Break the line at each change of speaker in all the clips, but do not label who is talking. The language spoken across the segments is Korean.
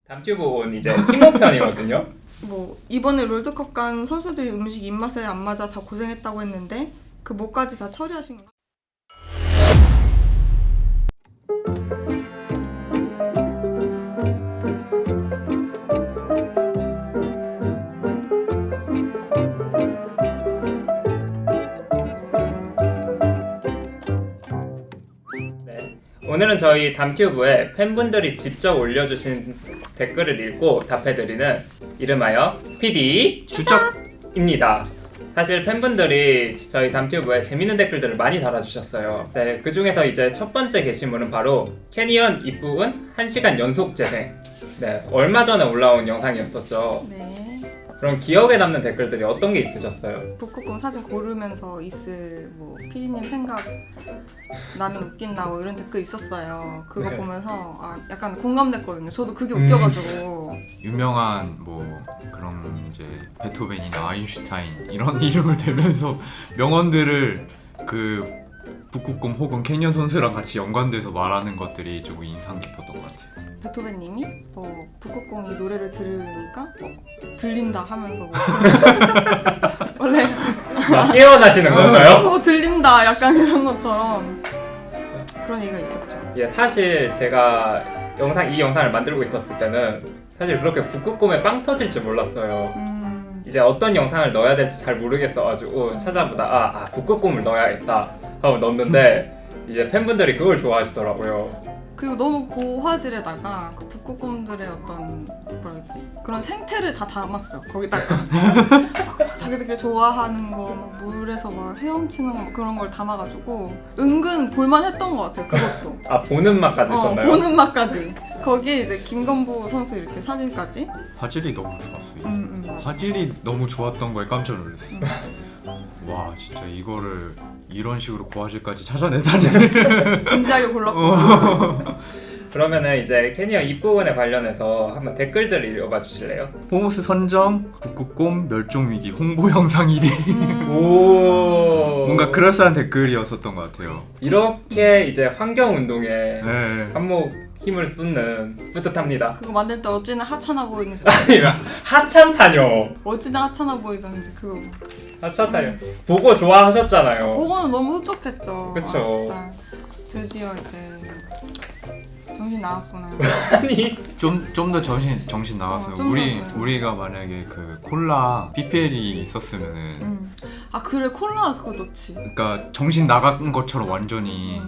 담튜브 온 이제 티모 편이거든요.
뭐 이번에 롤드컵 간 선수들이 음식 입맛에 안 맞아 다 고생했다고 했는데 그 뭐까지 다 처리하신 건가요?
네. 오늘은 저희 담튜브에 팬분들이 직접 올려주신 댓글을 읽고 답해드리는 이름하여 PD 추적입니다. 사실 팬분들이 저희 담튜브에 재밌는 댓글들을 많이 달아주셨어요. 네, 그 중에서 이제 첫 번째 게시물은 바로 캐니언 입부분 1시간 연속 재생. 네, 얼마 전에 올라온 영상이었었죠.
네.
그럼 기억에 남는 댓글들이 어떤 게 있으셨어요?
북극곰 사진 고르면서 있을 뭐 PD님 생각 나면 웃긴다 뭐 이런 댓글 있었어요. 그거
네.
보면서 약간 공감됐거든요. 저도 그게 웃겨가지고.
유명한 뭐 그런 이제 베토벤이나 아인슈타인 이런 이름을 대면서 명언들을 그 북극곰 혹은 캐니언 선수랑 같이 연관돼서 말하는 것들이 조금 인상 깊었던 것 같아요.
베토벤님이 북극곰이 노래를 들으니까 들린다 하면서 원래
깨어나시는 건가요?
들린다 약간 이런 것처럼 그런 얘기가 있었죠.
예, 사실 제가 이 영상을 만들고 있었을 때는 사실 그렇게 북극곰에 빵 터질 줄 몰랐어요. 이제 어떤 영상을 넣어야 될지 잘 모르겠어가지고 찾아보다 북극곰을 넣어야겠다 하고 넣었는데 이제 팬분들이 그걸 좋아하시더라고요.
그리고 너무 고화질에다가 그 북극곰들의 어떤 뭐라지 그런 생태를 다 담았어요. 거기다가 자기들끼리 좋아하는 거, 막 물에서 막 헤엄치는 거 그런 걸 담아가지고 은근 볼만했던 것 같아요. 그것도.
보는 맛까지 있었나요?
보는 맛까지. 거기에 이제 김건부 선수 이렇게 사진까지.
화질이 너무 좋았어요.
맞아.
화질이 너무 좋았던 거에 깜짝 놀랐어요. 와 진짜 이거를 이런 식으로 고화질까지 찾아내다니.
진지하게 골랐고.
그러면은 이제 캐니언 입부분에 관련해서 한번 댓글들을 읽어봐 주실래요?
호모스 선정 북극곰 멸종위기 홍보 영상 1위.
오,
뭔가 그럴싸한 댓글이었었던 것 같아요.
이렇게 이제 환경 운동에
네.
한몫 힘을 쏟는 뿌듯합니다.
그거 만들 때 어찌나 하찮아 보이는지.
아니면 하찮다뇨.
어찌나 하찮아 보이던지 그거.
하찮다뇨. 보고 좋아하셨잖아요.
그거는 너무 흡족했죠.
그쵸.
진짜 드디어 이제 정신 나갔구나.
아니
좀 더 정신 나왔어요.
좀
우리가 만약에 그 콜라 PPL이 있었으면은
그래 콜라 그거 넣지.
그러니까 정신 나간 것처럼 완전히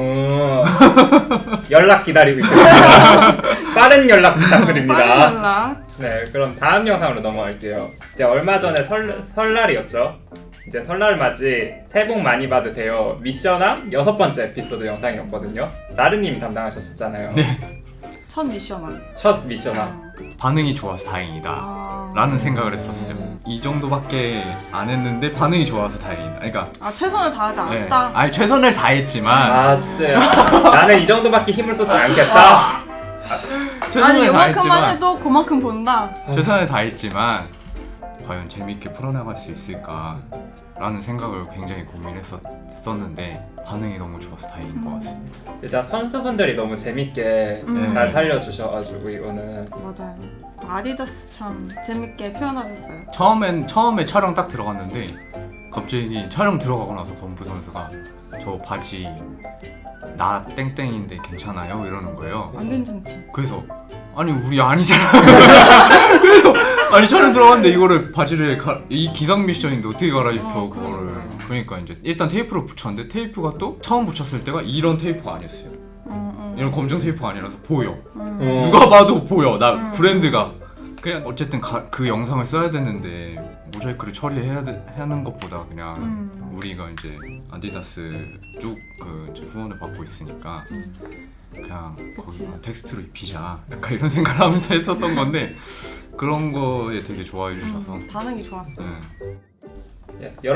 연락 기다리고 있겠습니다. 빠른 연락 부탁드립니다.
빠른 연락.
네, 그럼 다음 영상으로 넘어갈게요. 이제 얼마 전에 설날이었죠. 이제 설날 맞이 새해 복 많이 받으세요. 미션함 6번째 에피소드 영상이었거든요. 나르님이 담당하셨었잖아요.
네.
첫 미션만.
첫 미션함.
반응이 좋아서 다행이다 라는 생각을 했었어요. 이 정도밖에 안 했는데 반응이 좋아서 다행이다. 그러니까
최선을 다하지
네.
않았다.
아니 최선을 다했지만
진짜요? 나는 이 정도밖에 힘을 쏟지 않겠다.
최선을
요만큼만
다했지만
해도 그만큼 본다.
최선을 다했지만 과연 재밌게 풀어나갈 수 있을까 라는 생각을 굉장히 고민했었는데 반응이 너무 좋아서 다행인 것 같습니다.
일단 선수분들이 너무 재밌게 잘 살려주셔가지고 이거는
맞아요. 아디다스 참 재밌게 표현하셨어요.
처음에 촬영 딱 들어갔는데 갑자기 촬영 들어가고 나서 건부 선수가 저 바지 나 땡땡인데 괜찮아요? 이러는 거예요.
안 괜찮지.
그래서 아니 우리 아니잖아. 그래서 아니 촬영 들어갔는데 이거를 바지를 이 기상 미션인데 어떻게 갈아입혀 그거를. 그러니까 이제 일단 테이프로 붙였는데 테이프가 또 처음 붙였을 때가 이런 테이프가 아니었어요. 이런 검정 테이프가 아니라서 보여. 누가 봐도 보여. 나 브랜드가. 그냥 어쨌든 그 영상을 써야 되는데 모자이크를 처리해야 하는 것보다 그냥 우리가 이제 아디다스 쪽 그 후원을 받고 있으니까 그냥 거기 텍스트로 입히자 약간 이런 생각을 하면서 했었던 건데 그런 거에 되게 좋아해 주셔서
반응이 좋았어.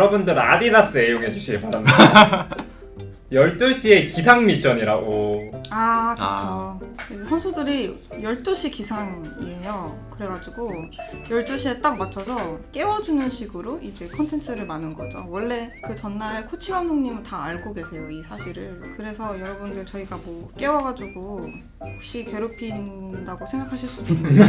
여러분들은 아디다스 애용해 주시기 바랍니다. 12시에 기상 미션이라고.
아, 그쵸. 이제 선수들이 12시 기상이에요. 그래가지고 12시에 딱 맞춰서 깨워주는 식으로 이제 컨텐츠를 마는 거죠. 원래 그 전날에 코치 감독님은 다 알고 계세요, 이 사실을. 그래서 여러분들 저희가 뭐 깨워가지고 혹시 괴롭힌다고 생각하실 수도 있는데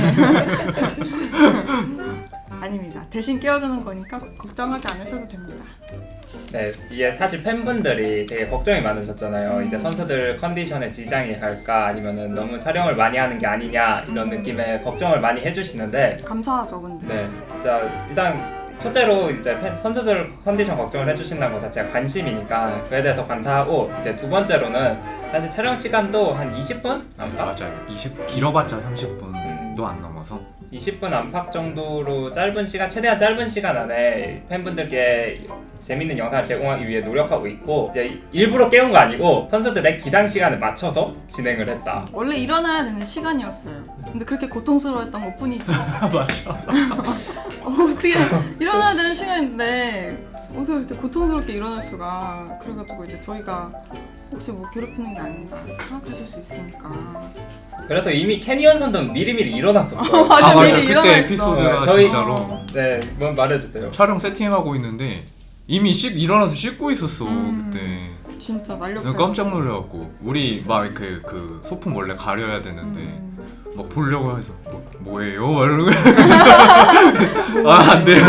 아닙니다. 대신 깨워주는 거니까 걱정하지 않으셔도 됩니다.
네, 이게 사실 팬분들이 되게 걱정이 많으셨잖아요. 이제 선수들 컨디션에 지장이 갈까 아니면은 너무 촬영을 많이 하는 게 아니냐 이런 느낌의 걱정을 많이 해주시는데
감사하죠, 근데.
네, 진짜 일단 첫째로 이제 선수들 컨디션 걱정을 해주신다는 것 자체가 관심이니까 그에 대해서 감사하고 이제 두 번째로는 사실 촬영 시간도 한 20분?
맞아요. 20 길어봤자 30분도 안 넘어서
20분 안팎 정도로 짧은 시간, 최대한 짧은 시간 안에 팬분들께 재밌는 영상을 제공하기 위해 노력하고 있고 이제 일부러 깨운 거 아니고 선수들의 기상 시간에 맞춰서 진행을 했다.
원래 일어나야 되는 시간이었어요. 근데 그렇게 고통스러웠던 것 뿐이지.
맞아.
어떻게 일어나야 되는 시간인데 어떻게 이렇게 고통스럽게 일어날 수가. 그래가지고 이제 저희가 혹시 뭐 괴롭히는 게 아닌가 생각하실 수 있으니까.
그래서 이미 캐니언 선수는 미리미리 일어났었어요.
맞아,
맞아요.
미리
그때
일어났어.
에피소드가
저희-
진짜로
네, 뭐 말해주세요.
촬영 세팅하고 있는데 이미 일어나서 씻고 있었어 그때.
진짜 날렵해.
내가 깜짝 놀래갖고 우리 막 그 소품 원래 가려야 되는데 막 보려고 해서 뭐예요? 이러고 안 돼요.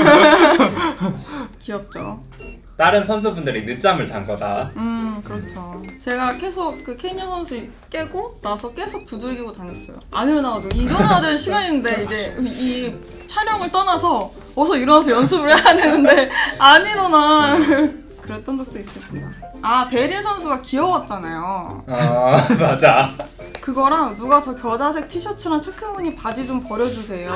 귀엽죠.
다른 선수분들이 늦잠을 잔 거다.
그렇죠. 제가 계속 그 케니언 선수 깨고 나서 계속 두들기고 다녔어요. 안 일어나가지고 일어나야 되는 시간인데 이제 이 촬영을 떠나서 어서 일어나서 연습을 해야 되는데 안 일어나. 그랬던 적도 있습니다. 아, 베릴 선수가 귀여웠잖아요.
아 맞아.
그거랑 누가 저 겨자색 티셔츠랑 체크무늬 바지 좀 버려주세요.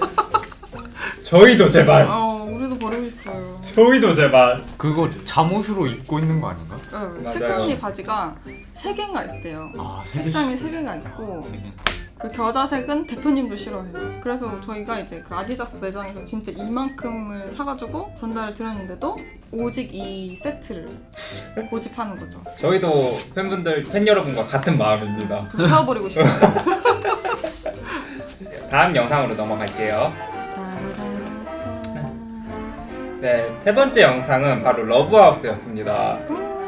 저희도 제발.
우리도 버리고 싶어요.
저희도 제발.
그거 잠옷으로 입고 있는 거 아닌가?
네,
맞아요.
체크무늬 바지가 3개인가 있대요.
아,
색상이 3개가 있고 그 겨자색은 대표님도 싫어해요. 그래서 저희가 이제 그 아디다스 매장에서 진짜 이만큼을 사가지고 전달을 드렸는데도 오직 이 세트를 고집하는 거죠.
저희도 팬 여러분과 같은 마음입니다.
불태워버리고 싶어요.
다음 영상으로 넘어갈게요.
따라라라따.
네, 세 번째 영상은 바로 러브하우스였습니다.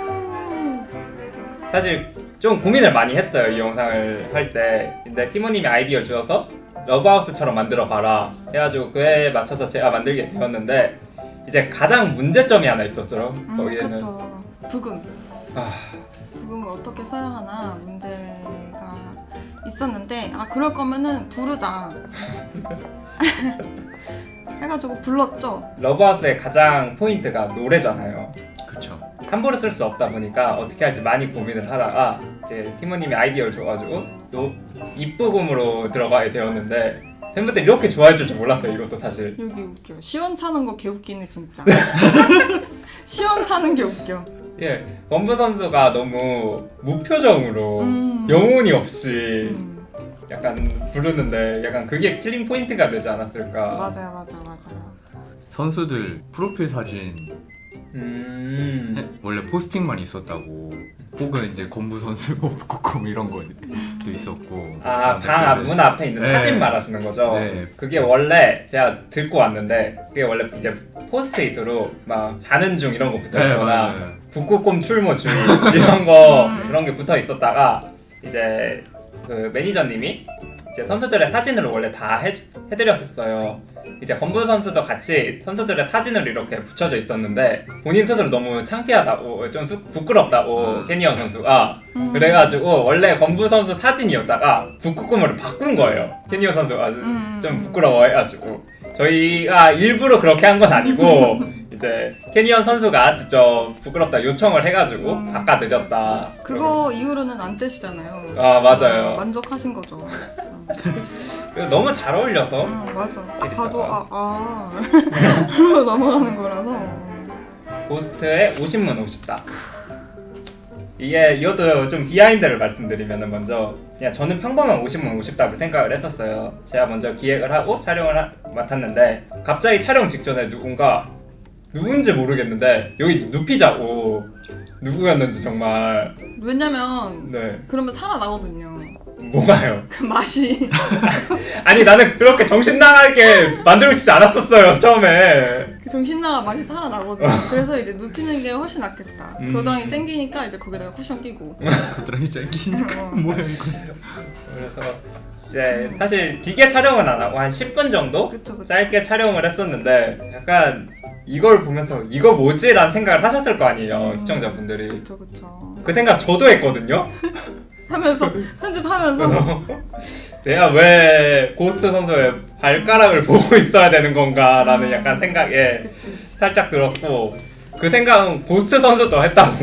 사실 좀 고민을 많이 했어요, 이 영상을 할 때. 근데 티모님이 아이디어를 주어서 러브하우스처럼 만들어 봐라 해가지고 그에 맞춰서 제가 만들게 되었는데 이제 가장 문제점이 하나 있었죠. 거기에는
그쵸. 부금.
아,
부금을 어떻게 써야 하나 문제가 있었는데 그럴 거면은 부르자 해가지고 불렀죠.
러브하우스의 가장 포인트가 노래잖아요.
그쵸.
함부로 쓸 수 없다 보니까 어떻게 할지 많이 고민을 하다가 이제 티모님이 아이디어를 줘가지고 입부금으로 들어가게 되었는데 팬분들이 이렇게 좋아해 줄 줄 몰랐어요. 이것도 사실.
여기 웃겨. 시원찮은 거 개웃기네 진짜. 시원찮은 게 웃겨.
예, 원부 선수가 너무 무표정으로 영혼이 없이 약간 부르는데 약간 그게 킬링 포인트가 되지 않았을까.
맞아요.
선수들 프로필 사진 원래 포스팅만 있었다고. 혹은 이제 건부 선수 복구콤 이런 것도 있었고.
방 문 앞에 있는
네.
사진 말하시는 거죠?
네.
그게 원래 제가 듣고 왔는데 그게 원래 이제 포스트잇으로 막 자는 중 이런 거 붙어있거나
네,
북극곰 출모 중 이런 거 그런 게 붙어 있었다가 이제 그 매니저님이 이제 선수들의 사진을 원래 다 해드렸었어요. 이제 건부 선수도 같이 선수들의 사진을 이렇게 붙여져 있었는데 본인 스스로 너무 창피하다고 좀 부끄럽다고 캐니언 선수가 그래가지고 원래 건부 선수 사진이었다가 북극곰으로 바꾼 거예요. 캐니언 선수가 좀 부끄러워해가지고 저희가 일부러 그렇게 한 건 아니고 이제 캐니언 선수가 직접 부끄럽다 요청을 해가지고 바꿔드렸다.
그거 이후로는 안 떼시잖아요.
맞아요.
만족하신 거죠.
그리고 너무 잘 어울려서
맞아. 딱 봐도 그러고 넘어가는 거라서.
고스트의 50문 50다. 이것도 좀 비하인드를 말씀드리면 먼저 그냥 저는 평범한 50문 50답을 생각을 했었어요. 제가 먼저 기획을 하고 촬영을 맡았는데 갑자기 촬영 직전에 누군지 모르겠는데 여기 눕히자고 누구였는지 정말.
왜냐면
네.
그러면 살아나거든요.
뭐가요?
그 맛이.
아니 나는 그렇게 정신 나가게 만들고 싶지 않았었어요 처음에.
그 정신나가 맛이 살아나거든요. 그래서 이제 눕히는 게 훨씬 낫겠다. 겨드랑이 땡기니까 이제 거기다가 쿠션 끼고.
겨드랑이 짱기니까
어.
뭐야 이거.
그래서 이제 사실 기계 촬영은 안 하고 한 10분 정도
그쵸 그쵸.
짧게 촬영을 했었는데 약간 이걸 보면서 이거 뭐지? 라는 생각을 하셨을 거 아니에요 시청자분들이.
그쵸 그쵸.
그 생각 저도 했거든요.
하면서 편집하면서
내가 왜 고스트 선수의 발가락을 보고 있어야 되는 건가라는 약간 생각에
그치 그치.
살짝 들었고, 그 생각은 고스트 선수도 했다고.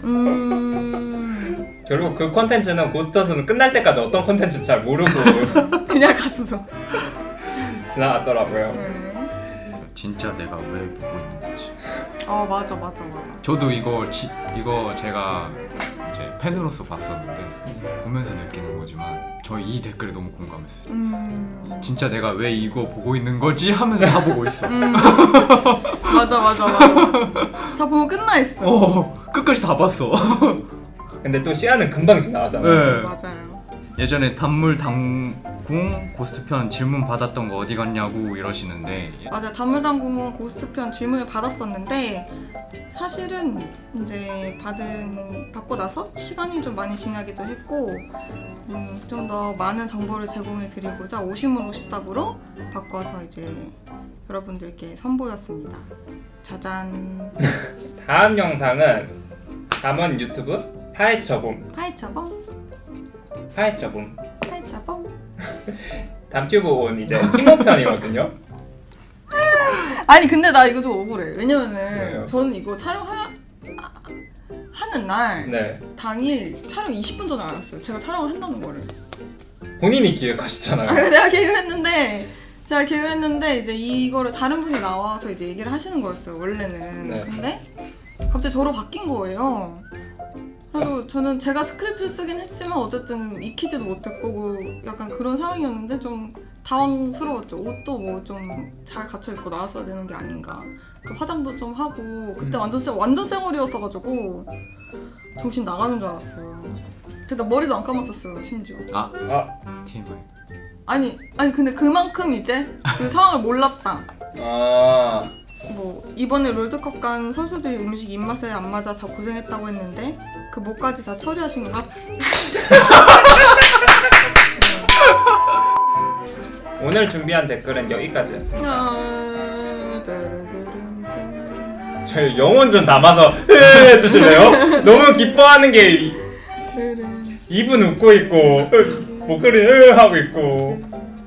결국 그 콘텐츠는 고스트 선수는 끝날 때까지 어떤 콘텐츠 잘 모르고
그냥 가수서.
지나갔더라고요.
네.
진짜 내가 왜 보고 있는 거지?
맞아.
저도 이거 제가 이제 팬으로서 봤었는데 보면서 느끼는 거지만 저희 이 댓글에 너무 공감했어요. 진짜 내가 왜 이거 보고 있는 거지 하면서 다 보고 있어.
맞아. 다 보면 끝나 있어.
끝까지 다 봤어.
근데 또 시간은 금방 지나가잖아요.
네.
맞아요.
예전에 단물 당궁 고스트편 질문 받았던 거 어디 갔냐고 이러시는데
맞아요. 단물당궁 고스트편 질문을 받았었는데 사실은 이제 받고 나서 시간이 좀 많이 지나기도 했고 좀 더 많은 정보를 제공해 드리고자 오심으로 싶답으로 바꿔서 이제 여러분들께 선보였습니다. 짜잔.
다음 영상은 담원 유튜브 파헤쳐봄.
파헤쳐봄.
담튜브 온 이제 팀워편이거든요.
아니 근데 나 이거 좀 억울해. 왜냐면은
왜요?
저는 이거 촬영하는 날
네.
당일 촬영 20분 전에 알았어요. 제가 촬영을 한다는 거를.
본인이 기획하시잖아요.
내가 계획을 했는데 이제 이거를 다른 분이 나와서 이제 얘기를 하시는 거였어요. 원래는.
네.
근데 갑자기 저로 바뀐 거예요. 그래서 저는 제가 스크립트를 쓰긴 했지만 어쨌든 익히지도 못했고 약간 그런 상황이었는데 좀 당황스러웠죠. 옷도 뭐 좀 잘 갖춰 입고 나왔어야 되는 게 아닌가. 또 화장도 좀 하고 그때 완전 쌩얼이었어가지고 정신 나가는 줄 알았어요. 근데 머리도 안 감았었어요 심지어.
TMI.
아니 근데 그만큼 이제 그 상황을 몰랐다. 뭐 이번에 롤드컵 간 선수들이 음식 입맛에 안 맞아 다 고생했다고 했는데 그 뭐까지 다 처리하신가?
오늘 준비한 댓글은 여기까지였습니다. 저희 영혼 좀 담아서 해주실래요? 너무 기뻐하는 게 입은 웃고 있고 목소리는 하고 있고.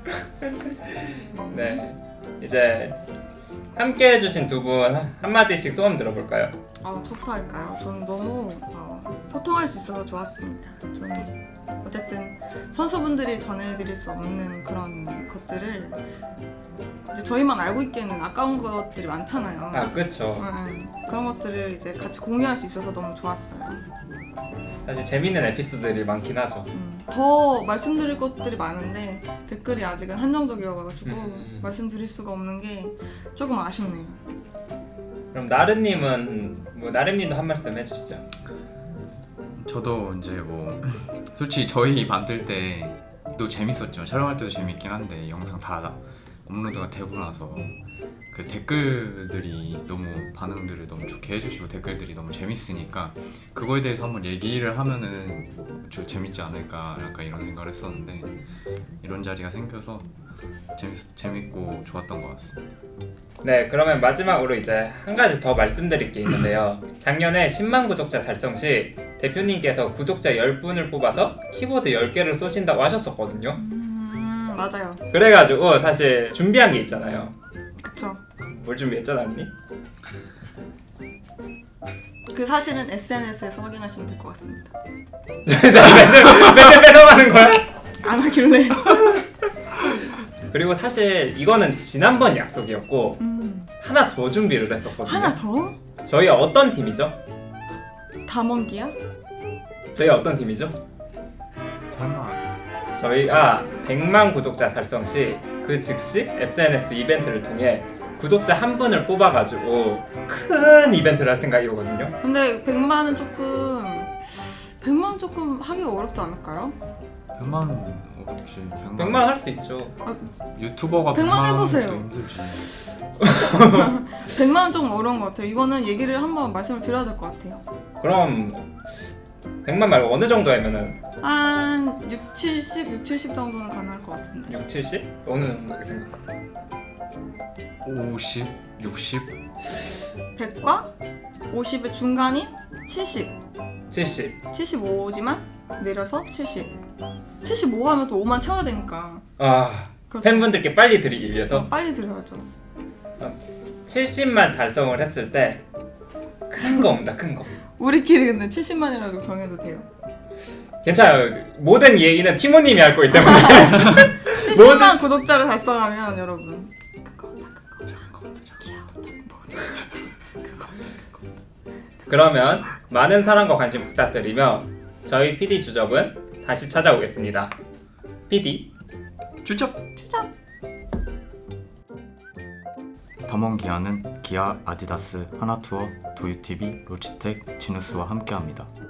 네, 이제 함께 해주신 두 분 한마디씩 소감 들어볼까요?
저부터 할까요? 저는 너무 소통할 수 있어서 좋았습니다. 저는 어쨌든 선수분들이 전해드릴 수 없는 그런 것들을 이제 저희만 알고 있기에는 아까운 것들이 많잖아요.
그쵸.
그런 것들을 이제 같이 공유할 수 있어서 너무 좋았어요.
사실 재밌는 에피소드들이 많긴 하죠.
더 말씀드릴 것들이 많은데 댓글이 아직은 한정적이어가지고 말씀드릴 수가 없는 게 조금 아쉽네요.
그럼 나름님도 한 말씀 해주시죠.
저도 이제 뭐 솔직히 저희 만들 때도 재밌었죠. 촬영할 때도 재밌긴 한데 영상 다 업로드가 되고 나서 그 댓글들이 너무 반응들을 너무 좋게 해주시고 댓글들이 너무 재밌으니까 그거에 대해서 한번 얘기를 하면은 좀 재밌지 않을까 약간 이런 생각을 했었는데 이런 자리가 생겨서 재밌고 좋았던 것 같습니다.
네, 그러면 마지막으로 이제 한 가지 더 말씀드릴 게 있는데요. 작년에 10만 구독자 달성 시 대표님께서 구독자 10분을 뽑아서 키보드 10개를 쏘신다고 하셨었거든요.
맞아요.
그래가지고 사실 준비한 게 있잖아요.
그쵸.
뭘 준비했죠, 나름님?
그 사실은 SNS에서 확인하시면 될 것 같습니다.
맨날 빼놓가는 거야?
안 하길래.
그리고 사실 이거는 지난번 약속이었고 하나 더 준비를 했었거든요.
하나 더?
저희 어떤 팀이죠?
담원기야?
저희 어떤 팀이죠?
설마
저희가 100만 구독자 달성 시 그 즉시 SNS 이벤트를 통해 구독자 한 분을 뽑아가지고 큰 이벤트를 할 생각이거든요.
근데 100만은 조금 하기가 어렵지 않을까요?
100만 원 어렵지.
100만 할 수 있죠.
유튜버가
100만
100만
해보세요.
힘들지.
100만은 좀 어려운 것 같아요. 이거는 얘기를 한번 말씀을 드려야 될 것 같아요.
그럼 100만 말고 어느 정도 하면은
한 6, 70 정도는 가능할 것 같은데.
6, 70? 어느 정도 생각?
50, 60.
100과 50의 중간인 70.
70.
75지만 내려서 70. 75 하면 또 5만 채워야 되니까.
아,
그렇죠.
팬분들께 빨리 드리기 위해서
빨리 드려야죠.
70만 달성을 했을 때 큰 거 없다, 큰 거.
우리끼리 근데 70만이라도 정해도 돼요.
괜찮아요. 모든 얘기는 티모님이 할 거기 때문에.
70만 구독자를 달성하면 여러분
그러면 많은 사랑과 관심 부탁드리며 저희 PD 주접은 다시 찾아오겠습니다. PD
주접.
추적.
담원 기아는 기아, 아디다스, 하나투어, 도유TV, 로지텍, 지누스와 함께합니다.